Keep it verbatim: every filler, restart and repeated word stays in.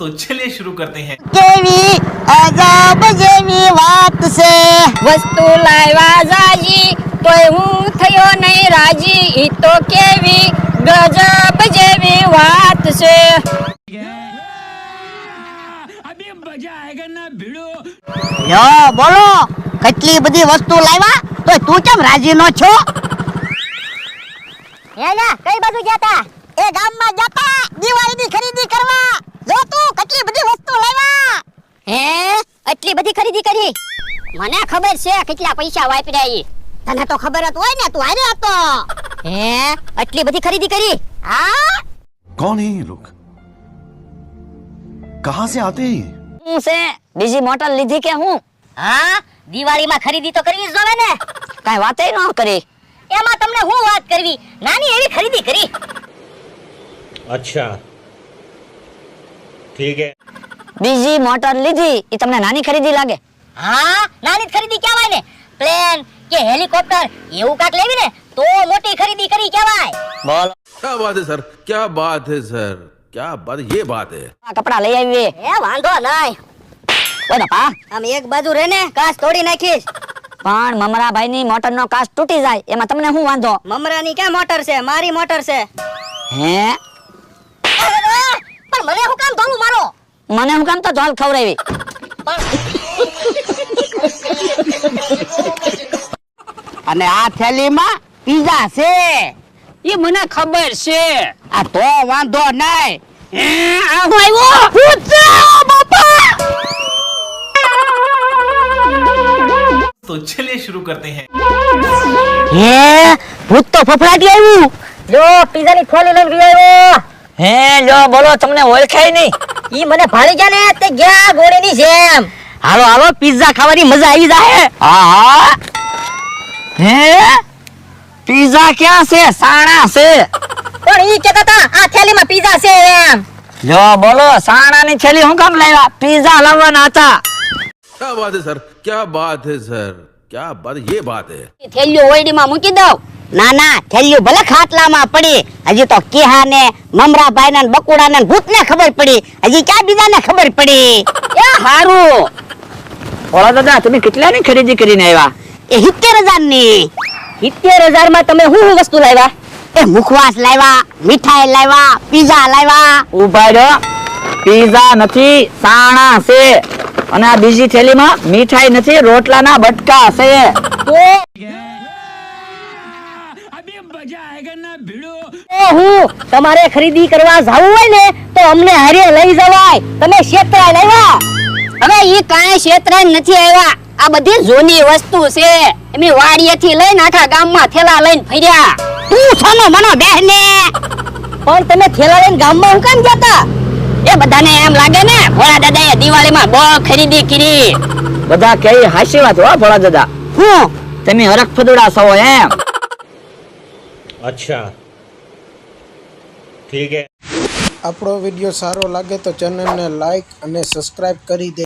तो चलिए शुरू करते हैं। केवी अजब जेवी વાત છે વસ્તુ લાવ્યા જાજી તોય હું થયો નહીં રાજી ઈ તો કેવી ગજબ જેવી વાત છે अभी मजा आएगा ना भिड़ो। યો બોલો કેટલી બધી વસ્તુ લાવ્યા તો તું કેમ રાજી નો છો હેલા કઈ બાજુ ગયા તા એ ગામમાં જતા દિવાળીની ખરીદી કરવા જો તું કેટલી બધી વસ્તુ લાવ્યા હે એટલી બધી ખરીદી કરી મને ખબર છે કેટલા પૈસા વાપર્યા ઈ તને તો ખબર જ હોય ને તું હારે હતો હે એટલી બધી ખરીદી કરી હા कौन है ये लोग कहां से आते हैं હું છે બીજી મોટર લીધી કે હું હા દિવાળીમાં ખરીદી તો કરવી જ જોવે ને કાઈ વાતે ન કરી એમાં તમને હું વાત કરવી નાની એવી ખરીદી કરી अच्छा ठीक है બીજી મોટર લીધી ઈ તમને નાની ખરીદી લાગે હા નાની ખરીદી કહેવાય ને પ્લેન કે હેલિકોપ્ટર એવું કાક લેવી ને તો મોટી ખરીદી કરી કહેવાય બોલો क्या बात है सर क्या बात है सर क्या बात ये बात है આ કપડા લઈ આવી એ વાંધો નહીં ઓય પા આમ એક બાજુ રે ને કાચ તોડી નાખીશ પણ મમરાભાઈ ની મોટર નો કાચ તૂટી જાય એમાં તમને શું વાંધો મમરાની ક્યાં મોટર છે મારી મોટર છે હે પણ મને હું કામ ધોલું મારો મને હું કામ તો ધોલ ખવરાવી અને આ થેલીમાં પીઝા છે ये मना खबर से આ તો વાંધો નહીં આ હું આવ્યો બાપા तो चलिए शुरू करते हैं। હે ભૂત તો ફફડાટી આવ્યું જો પીઝા ની થેલી લઈને આવ્યો હે જો બોલો તમને ઓળખાય નહીં ઈ મને ભાળી ગયા ને તે ગયા ઘોડી ની જેમ હાલો હાલો પીઝા ખાવાની મજા આવી જાય હા હા હે પીઝા ક્યાં છે સાણા છે પણ ઈ કહેતા હતા આ થેલીમાં પીઝા છે એમ જો બોલો સાણાની થેલી હું કામ લાવ્યા પીઝા લાવવાના હતા क्या बात है सर क्या बात है सर क्या बात ये बात है થેલીઓ ઓયડીમાં મૂકી દઉં ના ના થેલીઓ ભલે ખાટલામાં પડી હજી તો કેહા ને મમરાભાઈ ને બકુડા ને ભૂત ને ખબર પડી હજી ક્યાં બીજા ને ખબર પડી એ હારું ઓલા દાદા તમે કેટલાની ખરીદી કરીને આવ્યા એ સિત્તેર હજાર ની સિત્તેર હજાર માં તમે શું શું વસ્તુ લાવ્યા એ મુખવાસ લાવ્યા મીઠાઈ લાવ્યા પીઝા લાવ્યા ઉભા રહ્યો પીઝા નથી સાણા છે અને આ બીજી થેલીમાં મીઠાઈ નથી રોટલાના બટકા છે अभी मजा आएगा ना भिड़ो। તો હું તમારે ખરીદી કરવા જાવું હોય ને તો અમને હારે લઈ જવાય તમે ક્ષેત્રાય લાવ્યા હવે ઈ કાંઈ ક્ષેત્રાય નથી આવ્યા આ બધી જૂની વસ્તુ છે એમની વાડીએથી લઈને આખા ગામમાં થેલા લઈને ફર્યા તું છનો મનો બેહને પણ તમે થેલા લઈને ગામમાં હું કેમ જતા એ બધાને એમ લાગે ને ભોળા દાદાએ દિવાળીમાં બહુ ખરીદી કરી બધા કઈ હાસી વાત હો ભોળા દાદા હું તમે હરખ ફદુડા છો એમ अच्छा ठीक है આપણો વિડિયો સારો લાગે તો ચેનલને લાઈક અને સબસ્ક્રાઇબ કરી દે।